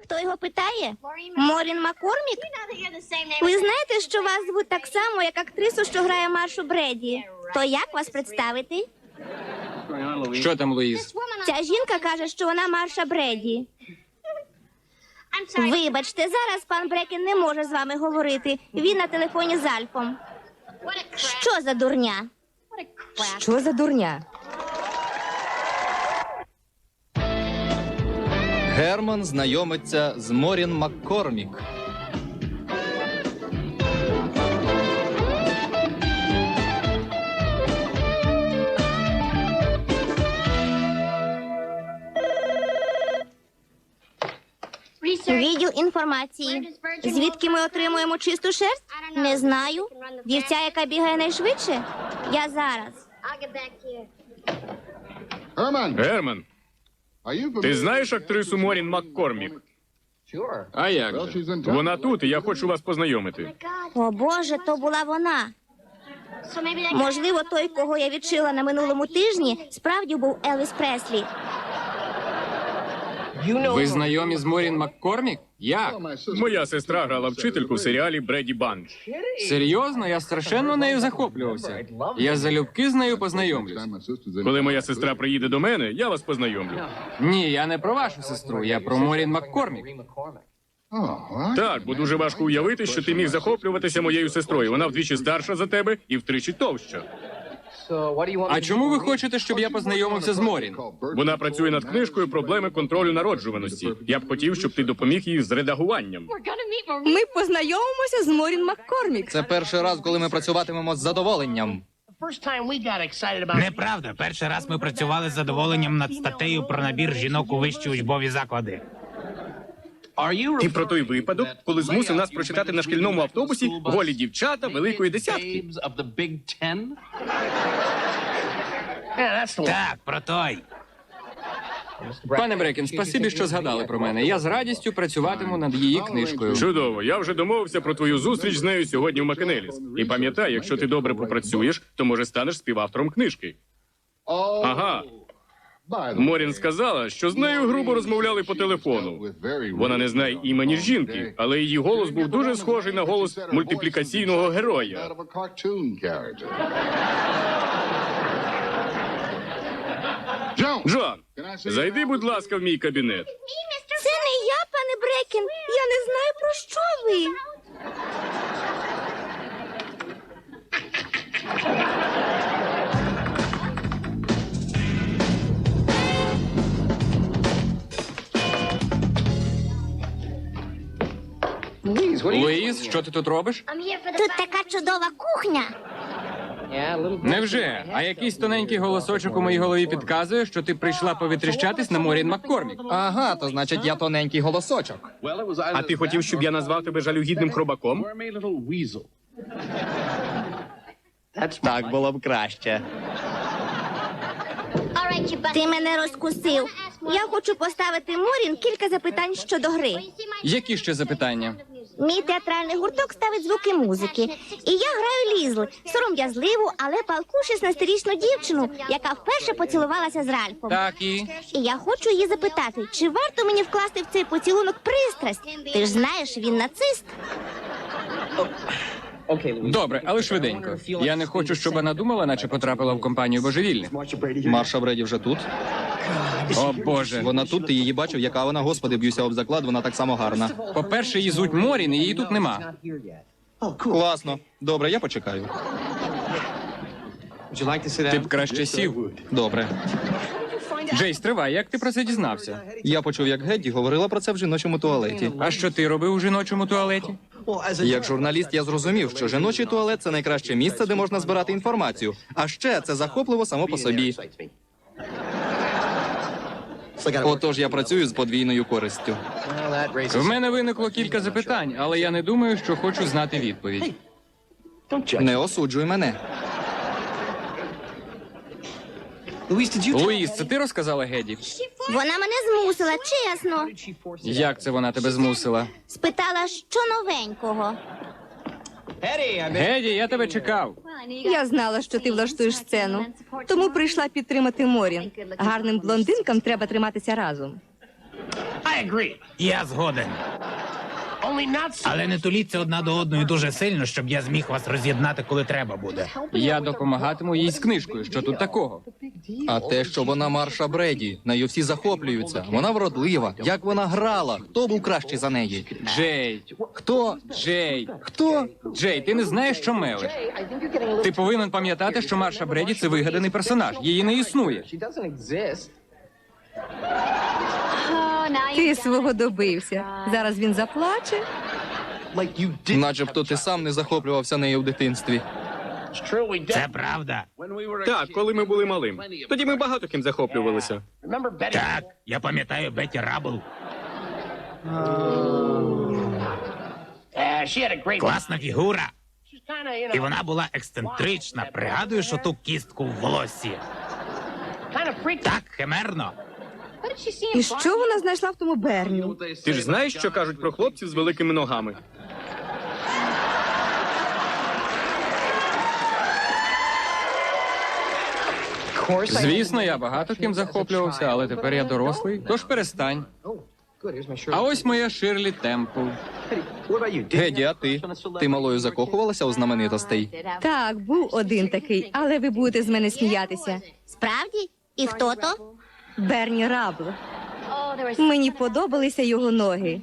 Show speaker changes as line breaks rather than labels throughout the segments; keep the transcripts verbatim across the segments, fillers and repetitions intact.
Хто його питає? Морін Маккормік? Ви знаєте, що вас звуть так само, як актрису, що грає Маршу Бреді? То як вас представити?
Що там, Луїз?
Ця жінка каже, що вона Марша Бреді. Вибачте, зараз пан Брекен не може з вами говорити. Він на телефоні з Альфом. Що за дурня?
Що за дурня?
Герман знайомиться з Морін Маккормік.
Відділ інформації. Звідки ми отримуємо чисту шерсть? Не знаю. Вівця, яка бігає найшвидше? Я зараз.
Герман, ти знаєш актрису Морін Маккормік? А як же? Вона тут, і я хочу вас познайомити.
О Боже, то була вона. Можливо, той, кого я відшила на минулому тижні, справді був Елвіс Преслі.
Ви знайомі з Морін Маккормік? Як? Моя сестра грала вчительку в серіалі «Бреді Банч». Серйозно? Я страшенно нею захоплювався. Я залюбки з нею познайомлюсь. Коли моя сестра приїде до мене, я вас познайомлю. Ні, я не про вашу сестру, я про Морін Маккормік. Так, бо дуже важко уявити, що ти міг захоплюватися моєю сестрою. Вона вдвічі старша за тебе і втричі товща. А чому ви хочете, щоб я познайомився з Морін? Вона працює над книжкою «Проблеми контролю народжуваності». Я б хотів, щоб ти допоміг їй з редагуванням.
Ми познайомимося з Морін Маккормік.
Це перший раз, коли ми працюватимемо з задоволенням.
Неправда. Перший раз ми працювали з задоволенням над статтею про набір жінок у вищі учбові заклади.
Ти про той випадок, коли змусив нас прочитати на шкільному автобусі голі дівчата великої десятки?
Так, про той.
Пане Брекен, спасибі, що згадали про мене. Я з радістю працюватиму над її книжкою. Чудово. Я вже домовився про твою зустріч з нею сьогодні в Макенеліс. І пам'ятай, якщо ти добре попрацюєш, то, може, станеш співавтором книжки. Ага. Морін сказала, що з нею грубо розмовляли по телефону. Вона не знає імені жінки, але її голос був дуже схожий на голос мультиплікаційного героя. Джон, зайди, будь ласка, в мій кабінет.
Це не я, пане Брекен. Я не знаю, про що ви.
Луїз, що ти тут робиш?
Тут така чудова кухня.
Невже? А якийсь тоненький голосочок у моїй голові підказує, що ти прийшла повітріщатись на Морін Маккормік.
Ага, то значить я тоненький голосочок.
А ти хотів, щоб я назвав тебе жалюгідним хробаком?
Так було б краще.
Ти мене розкусив. Я хочу поставити Морін кілька запитань щодо гри.
Які ще запитання?
Мій театральний гурток ставить звуки музики. І я граю Лізл, сором'язливу, але палку шістнадцятирічну дівчину, яка вперше поцілувалася з Ральфом.
Так і...
І я хочу її запитати, чи варто мені вкласти в цей поцілунок пристрасть? Ти ж знаєш, він нацист.
Добре, але швиденько. Я не хочу, щоб вона думала, наче потрапила в компанію божевільних.
Марша Бреді вже тут.
О, Боже.
Вона тут, ти її бачив, яка вона, господи, б'юся об заклад, вона так само гарна.
По-перше, її звуть Морін, і її тут нема.
Класно. Добре, я почекаю.
Ти б краще сів.
Добре.
Джейс, тривай, як ти про це дізнався?
Я почув, як Гедді говорила про це в жіночому туалеті.
А що ти робив у жіночому туалеті?
Як журналіст я зрозумів, що жіночий туалет – це найкраще місце, де можна збирати інформацію. А ще це захопливо само по собі. Отож я працюю з подвійною користю.
В мене виникло кілька запитань, але я не думаю, що хочу знати відповідь.
Не осуджуй мене.
Луїз, це ти розказала Геді?
Вона мене змусила, чесно.
Як це вона тебе змусила?
Спитала, що новенького.
Геді, я тебе чекав.
Я знала, що ти влаштуєш сцену, тому прийшла підтримати Морін. Гарним блондинкам треба триматися разом.
Я згоден. Але не туліться одна до одної дуже сильно, щоб я зміг вас роз'єднати, коли треба буде.
Я допомагатиму їй з книжкою. Що тут такого?
А те, що вона Марша Бреді, нею всі захоплюються. Вона вродлива. Як вона грала? Хто був кращий за неї?
Джей.
Хто?
Джей.
Хто?
Джей, ти не знаєш, що мелиш. Ти повинен пам'ятати, що Марша Бреді – це вигаданий персонаж. Її не існує.
Ти свого добився. Зараз він заплаче.
Начебто ти сам не захоплювався нею в дитинстві.
Це правда.
Так, коли ми були малим. Тоді ми багато ким захоплювалися.
Так, я пам'ятаю Бетті Рабл. Класна фігура. І вона була ексцентрична. Пригадуєш оту кістку в волоссі? Так, химерно.
І що вона знайшла в тому Берні?
Ти ж знаєш, що кажуть про хлопців з великими ногами?
Звісно, я багато ким захоплювався, але тепер я дорослий, тож перестань. А ось моя Ширлі Темпл.
Геді, а ти? Ти малою закохувалася у знаменитостей?
Так, був один такий, але ви будете з мене сміятися.
Справді? І хто то?
Берні Рабл. Мені подобалися його ноги.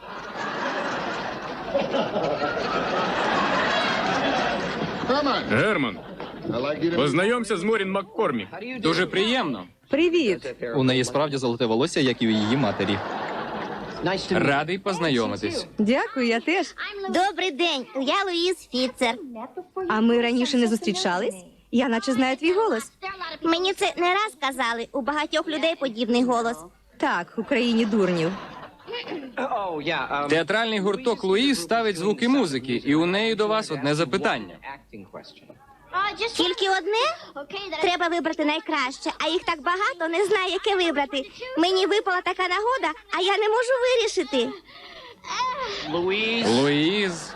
Герман, познайомся з Морін Маккормік.
Дуже приємно.
Привіт.
У неї справді золоте волосся, як і у її матері.
Радий познайомитись.
Дякую, я теж.
Добрий день, я Луїз Фіцер.
А ми раніше не зустрічались? Я наче знаю твій голос.
Мені це не раз казали, у багатьох людей подібний голос.
Так, в Україні дурнів.
Театральний гурток Луїз ставить звуки музики, і у неї до вас одне запитання.
Тільки одне? Треба вибрати найкраще, а їх так багато, не знаю, яке вибрати. Мені випала така нагода, а я не можу вирішити.
Луїз.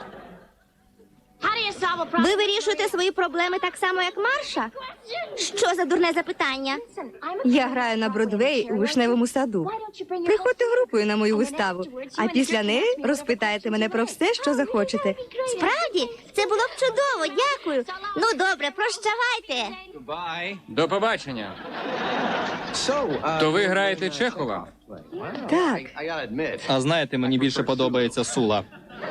Ви вирішуєте свої проблеми так само, як Марша? Що за дурне запитання?
Я граю на Бродвеї у вишневому саду. Приходьте групою на мою виставу, а після неї розпитаєте мене про все, що захочете.
Справді? Це було б чудово, дякую. Ну, добре, прощавайте.
До побачення. То ви граєте Чехова?
Так,
А знаєте, мені більше подобається Сула.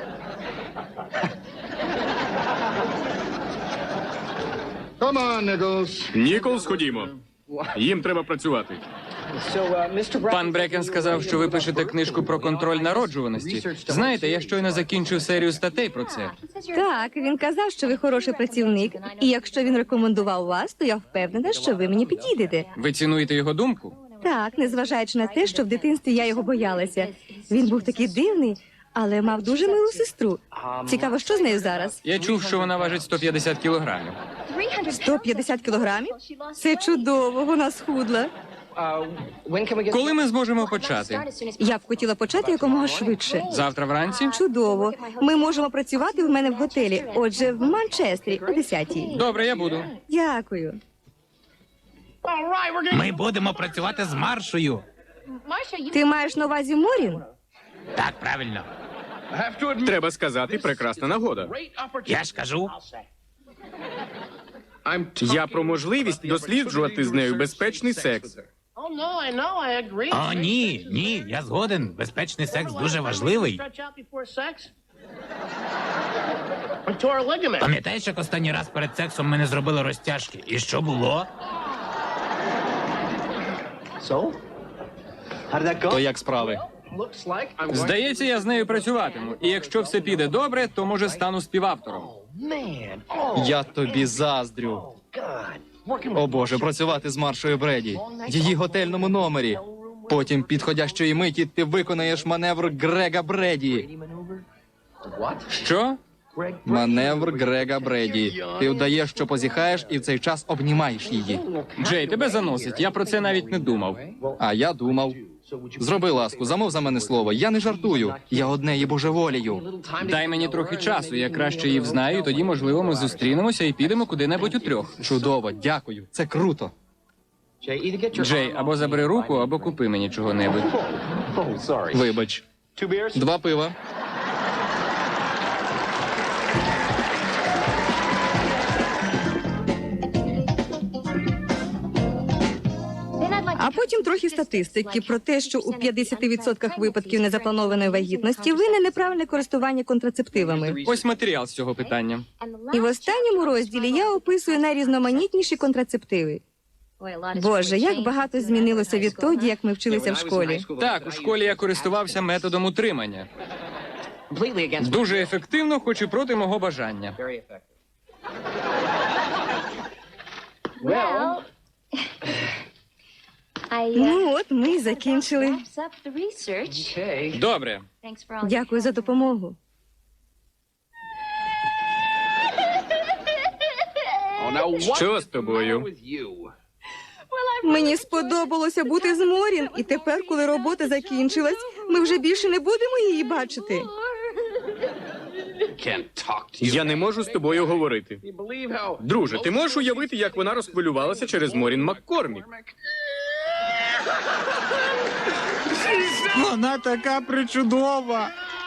Ніколс, ходімо. Їм треба працювати.
Пан Брекен сказав, що ви пишете книжку про контроль народжуваності. Знаєте, я щойно закінчив серію статей про це.
так, він казав, що ви хороший працівник, і якщо він рекомендував вас, то я впевнена, що ви мені підійдете.
Ви цінуєте його думку?
Так, незважаючи на те, що в дитинстві я його боялася. Він був такий дивний, але мав дуже милу сестру. Цікаво, що з нею зараз?
Я чув, що вона важить сто п'ятдесят кілограмів.
сто п'ятдесят кілограмів? Це чудово, вона схудла.
Коли ми зможемо почати?
Я б хотіла почати якомога швидше.
Завтра вранці?
Чудово. Ми можемо працювати в мене в готелі. Отже, в Манчестері о десятій.
Добре, я буду.
Дякую.
Ми будемо працювати з Маршою.
Ти маєш на увазі Морін?
Так, правильно.
Треба сказати, прекрасна нагода.
Я ж кажу.
Я про можливість досліджувати з нею безпечний секс.
О, ні, ні, я згоден. Безпечний секс дуже важливий. Пам'ятаєш, як останній раз перед сексом ми не зробили розтяжки? І що було?
То як справи?
Здається, я з нею працюватиму. І якщо все піде добре, то може стану співавтором.
Я тобі заздрю. О Боже, працювати з Маршою Бреді. Її готельному номері. Потім підходящої миті ти виконаєш маневр Грега Бреді.
Що?
Маневр Грега Бреді. Ти вдаєш, що позіхаєш, і в цей час обнімаєш її.
Джей, тебе заносить. Я про це навіть не думав.
А я думав. Зроби ласку, замов за мене слово. Я не жартую. Я однеї божеволію.
Дай мені трохи часу, я краще її взнаю, і тоді, можливо, ми зустрінемося і підемо куди-небудь утрьох.
Чудово, дякую. Це круто.
Джей, або забери руку, або купи мені чого-небудь.
Вибач. Два пива.
А потім трохи статистики про те, що у п'ятдесят відсотках випадків незапланованої вагітності винне неправильне користування контрацептивами.
Ось матеріал з цього питання.
І в останньому розділі я описую найрізноманітніші контрацептиви. Боже, як багато змінилося відтоді, як ми вчилися в школі.
Так, у школі я користувався методом утримання. Дуже ефективно, хоч і проти мого бажання.
Ну от ми й закінчили.
Добре.
Дякую за допомогу.
Що з тобою?
Мені сподобалося бути з Морін, і тепер, коли робота закінчилась, ми вже більше не будемо її бачити.
Я не можу з тобою говорити. Друже, ти можеш уявити, як вона розхвилювалася через Морін Маккормік?
Вона така причудова.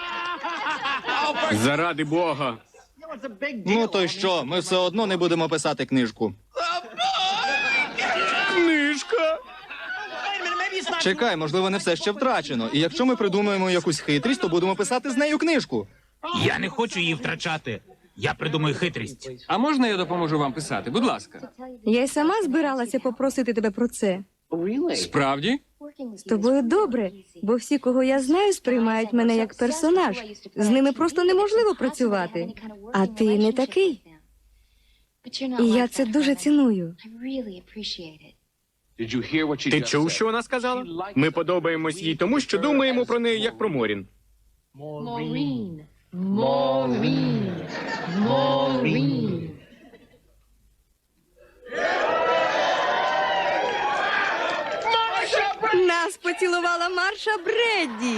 Заради Бога.
Ну то й що, ми все одно не будемо писати книжку.
Книжка.
Чекай, можливо, не все ще втрачено. І якщо ми придумаємо якусь хитрість, то будемо писати з нею книжку.
Я не хочу її втрачати. Я придумаю хитрість.
А можна я допоможу вам писати? Будь ласка.
Я й сама збиралася попросити тебе про це.
Справді?
З тобою добре, бо всі, кого я знаю, сприймають мене як персонаж. З ними просто неможливо працювати. А ти не такий. І я це дуже ціную.
Ти чув, що вона сказала? Ми подобаємось їй тому, що думаємо про неї як про Морін.
Нас поцілувала Марша Бредді.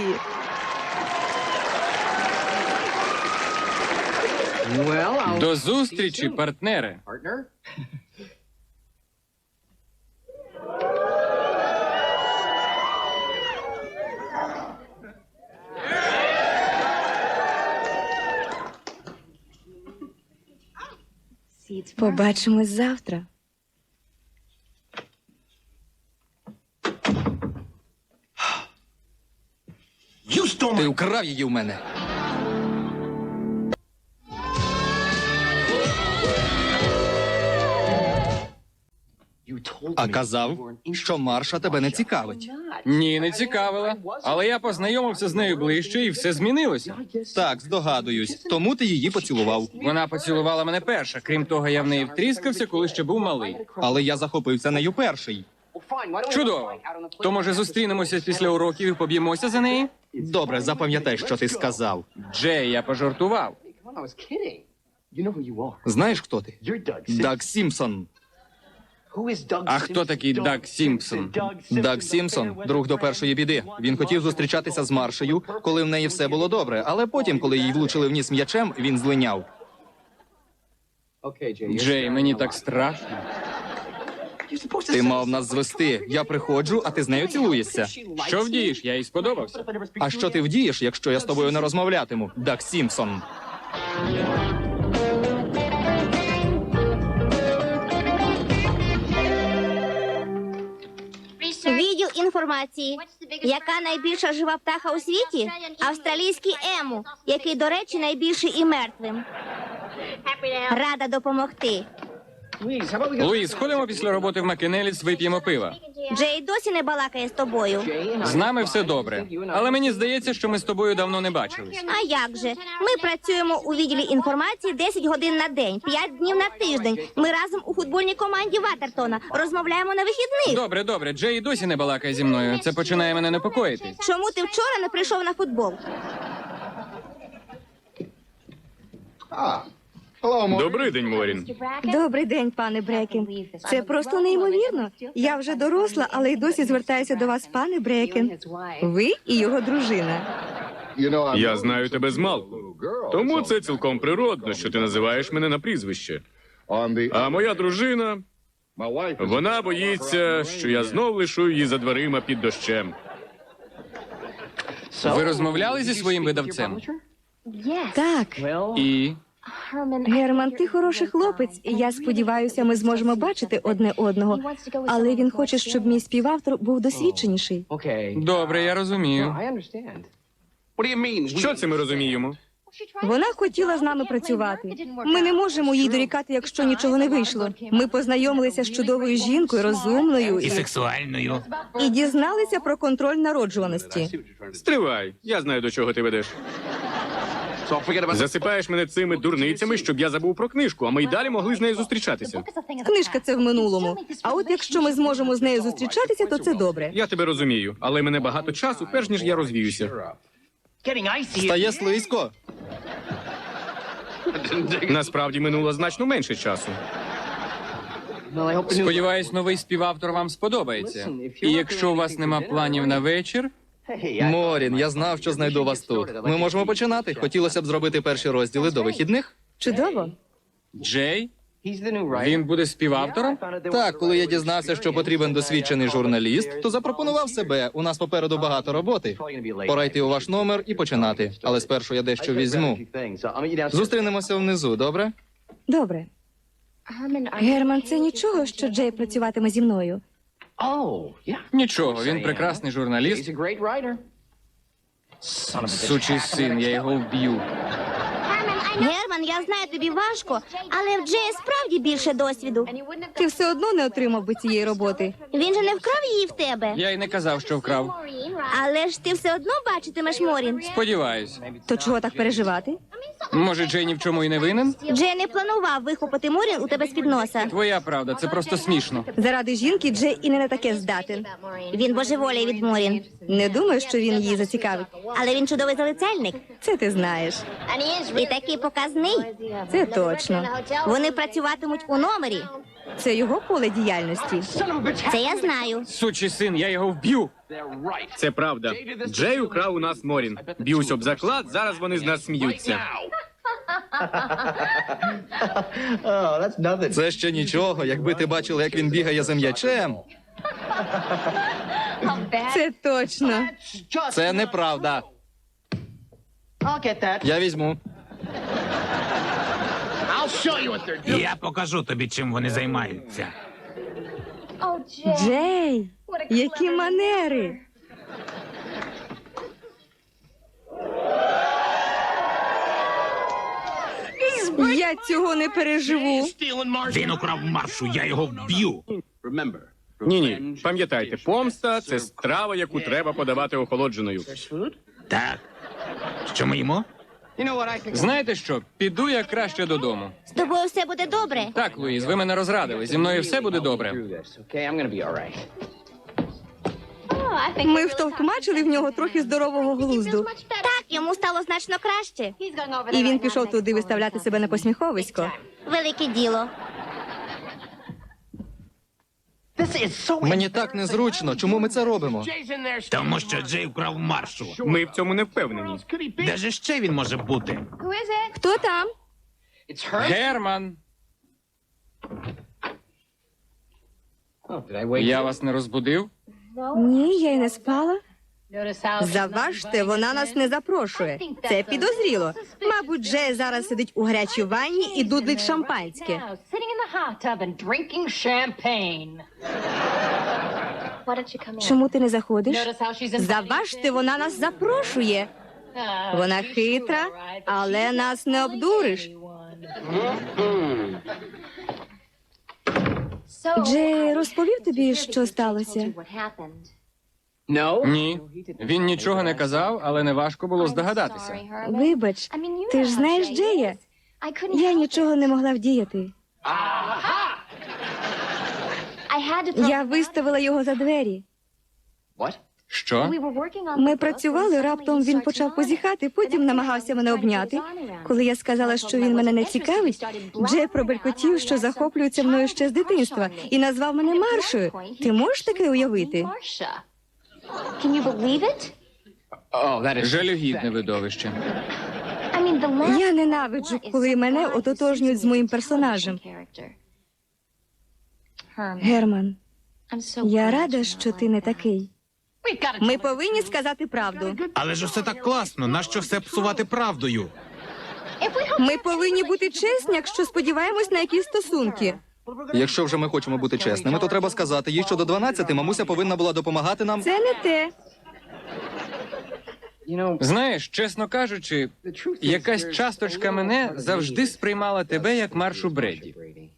До зустрічі, партнери.
Побачимось завтра.
Ти украв її в мене. А казав, що Марша тебе не цікавить.
Ні, не цікавила. Але я познайомився з нею ближче і все змінилося.
Так, здогадуюсь. Тому ти її поцілував.
Вона поцілувала мене перша. Крім того, я в неї втріскався, коли ще був малий.
Але я захопився нею перший.
Чудово. То, може, зустрінемося після уроків і поб'ємося за неї?
Добре, запам'ятай, що ти сказав.
Джей, я пожартував.
Знаєш, хто ти? Даг Сімпсон.
А хто такий Даг Сімпсон?
Даг Сімпсон – друг до першої біди. Він хотів зустрічатися з Маршею, коли в неї все було добре, але потім, коли їй влучили в ніс м'ячем, він злиняв.
Джей, мені так страшно.
Ти мав нас звести. Я приходжу, а ти з нею цілуєшся.
Що вдієш? Я їй сподобався.
А що ти вдієш, якщо я з тобою не розмовлятиму? Даг Сімпсон.
Відділ інформації. Яка найбільша жива птаха у світі? Австралійський ему, який, до речі, найбільший і мертвим. Рада допомогти.
Луїс, сходимо після роботи в Макенеліс, вип'ємо пива.
Джей досі не балакає з тобою.
З нами все добре. Але мені здається, що ми з тобою давно не бачились.
А як же? Ми працюємо у відділі інформації десять годин на день, п'ять днів на тиждень. Ми разом у футбольній команді Ватертона. Розмовляємо на вихідних.
Добре, добре. Джей досі не балакає зі мною. Це починає мене непокоїти.
Чому ти вчора не прийшов на футбол?
Добрий день, Морін.
Добрий день, пане Брекен. Це просто неймовірно. Я вже доросла, але й досі звертаюся до вас, пане Брекен. Ви і його дружина.
Я знаю тебе змалку. Тому це цілком природно, що ти називаєш мене на прізвище. А моя дружина, вона боїться, що я знов лишу її за дверима під дощем.
Ви розмовляли зі своїм видавцем?
Так,
І
Герман, ти хороший хлопець, і я сподіваюся, ми зможемо бачити одне одного. Але він хоче, щоб мій співавтор був досвідченіший.
добре, я розумію.
Що це ми розуміємо?
Вона хотіла з нами працювати. Ми не можемо їй дорікати, якщо нічого не вийшло. Ми познайомилися з чудовою жінкою, розумною
І
і,
сексуальною.
і дізналися про контроль народжуваності.
Стривай, я знаю, до чого ти ведеш. Засипаєш мене цими дурницями, щоб я забув про книжку, а ми й далі могли з нею зустрічатися.
Книжка це в минулому. А от якщо ми зможемо з нею зустрічатися, то це добре.
Я тебе розумію, але мене багато часу, перш ніж я розвіюся.
Стає слизько.
Насправді минуло значно менше часу.
сподіваюсь, новий співавтор вам сподобається. І якщо у вас нема планів на вечір,
Морін, я знав, що знайду вас тут. Ми можемо починати. Хотілося б зробити перші розділи до вихідних.
Чудово.
Джей, він буде співавтором?
Так, коли я дізнався, що потрібен досвідчений журналіст, то запропонував себе. У нас попереду багато роботи. Пора йти у ваш номер і починати. Але спершу я дещо візьму. Зустрінемося внизу, добре?
Добре. Герман, це нічого, що Джей працюватиме зі мною.
Нічого, він прекрасний журналіст. Сучий син, я його вб'ю.
Герман, я знаю, тобі важко, але в Джея справді більше досвіду.
Ти все одно не отримав би цієї роботи.
Він же не вкрав її в тебе.
Я й не казав, що вкрав.
Але ж ти все одно бачитимеш Морін.
Сподіваюсь.
То чого так переживати?
Може, Джей ні в чому і не винен?
Джей не планував вихопити Морін у тебе з-під носа.
Твоя правда, це просто смішно.
Заради жінки Джей і не на таке здатен.
Він божеволіє від Морін.
Не думаю, що він її зацікавить.
Але він чудовий залицяльник.
Це ти знаєш.
І такий показний.
Це точно.
Вони працюватимуть у номері.
Це його поле діяльності.
Це я знаю.
Сучий син, я його вб'ю.
Це правда. Джей украв у нас Морін. Б'юсь об заклад, зараз вони з нас сміються.
Це ще нічого, якби ти бачила, як він бігає за м'ячем.
Це точно.
Це неправда. Я візьму.
Я покажу тобі, чим вони займаються.
Джей, які манери. Я цього не переживу.
Він украв маршу, я його вб'ю.
Ні-ні, пам'ятайте, помста – це страва, яку треба подавати охолодженою.
Так. Що ми їмо?
Знаєте що? Піду я краще додому.
З тобою все буде добре.
Так, Луїз, ви мене розрадили. Зі мною все буде добре.
Ми втовкмачили в нього трохи здорового глузду.
Так, йому стало значно краще.
І він пішов туди виставляти себе на посміховисько.
Велике діло.
Мені так незручно. Чому ми це робимо?
Тому що Джей вкрав маршу.
Ми в цьому не впевнені.
Де ж ще він може бути?
Хто там?
Герман! Я вас не розбудив?
Ні, я й не спала. Заважте, вона нас не запрошує. Це підозріло. Мабуть, Джей зараз сидить у гарячій ванні і дудлить шампанське. Чому ти не заходиш? Заважте, вона нас запрошує. Вона хитра, але нас не обдуриш. Джей розповів тобі, що сталося?
Ні. Він нічого не казав, але неважко було здогадатися.
Вибач, ти ж знаєш Джея. Я нічого не могла вдіяти. Я виставила його за двері.
Що?
Ми працювали, раптом він почав позіхати, потім намагався мене обняти. Коли я сказала, що він мене не цікавить, Джей пробелькотів, що захоплюється мною ще з дитинства, і назвав мене Маршою. Ти можеш таке уявити?
Жалюгідне видовище.
Я ненавиджу, коли мене ототожнюють з моїм персонажем. Герман, я рада, що ти не такий. Ми повинні сказати правду.
Але ж усе так класно. Нащо все псувати правдою?
Ми повинні бути чесні, якщо сподіваємось на якісь стосунки.
Якщо вже ми хочемо бути чесними, то треба сказати їй, що до дванадцяти мамуся повинна була допомагати нам.
Це не те.
Знаєш, чесно кажучи, якась часточка мене завжди сприймала тебе як Маршу Бреді.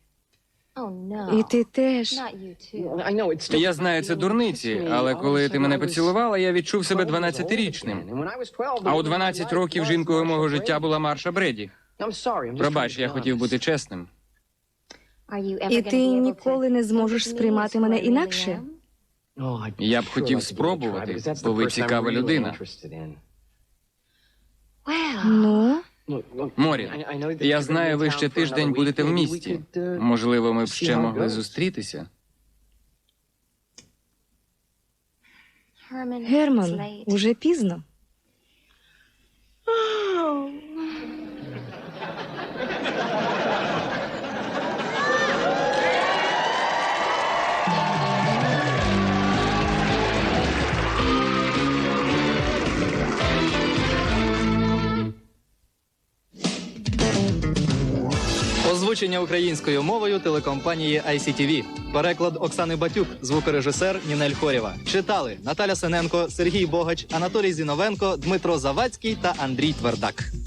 І ти теж.
Я знаю, це дурниці, але коли ти мене поцілувала, я відчув себе дванадцятирічним. А у дванадцять років жінкою мого життя була Марша Бреді. Пробач, я хотів бути чесним.
І ти ніколи не зможеш сприймати мене інакше.
Я б хотів спробувати, бо ви цікава людина.
Ну,
Морін, я знаю, ви ще тиждень будете в місті. Можливо, ми б ще могли зустрітися.
Герман, уже пізно.
Озвучення українською мовою телекомпанії ай сі ті ві. Переклад Оксани Батюк, звукорежисер Нінель Хорєва. Читали Наталя Синенко, Сергій Богач, Анатолій Зіновенко, Дмитро Завадський та Андрій Твердак.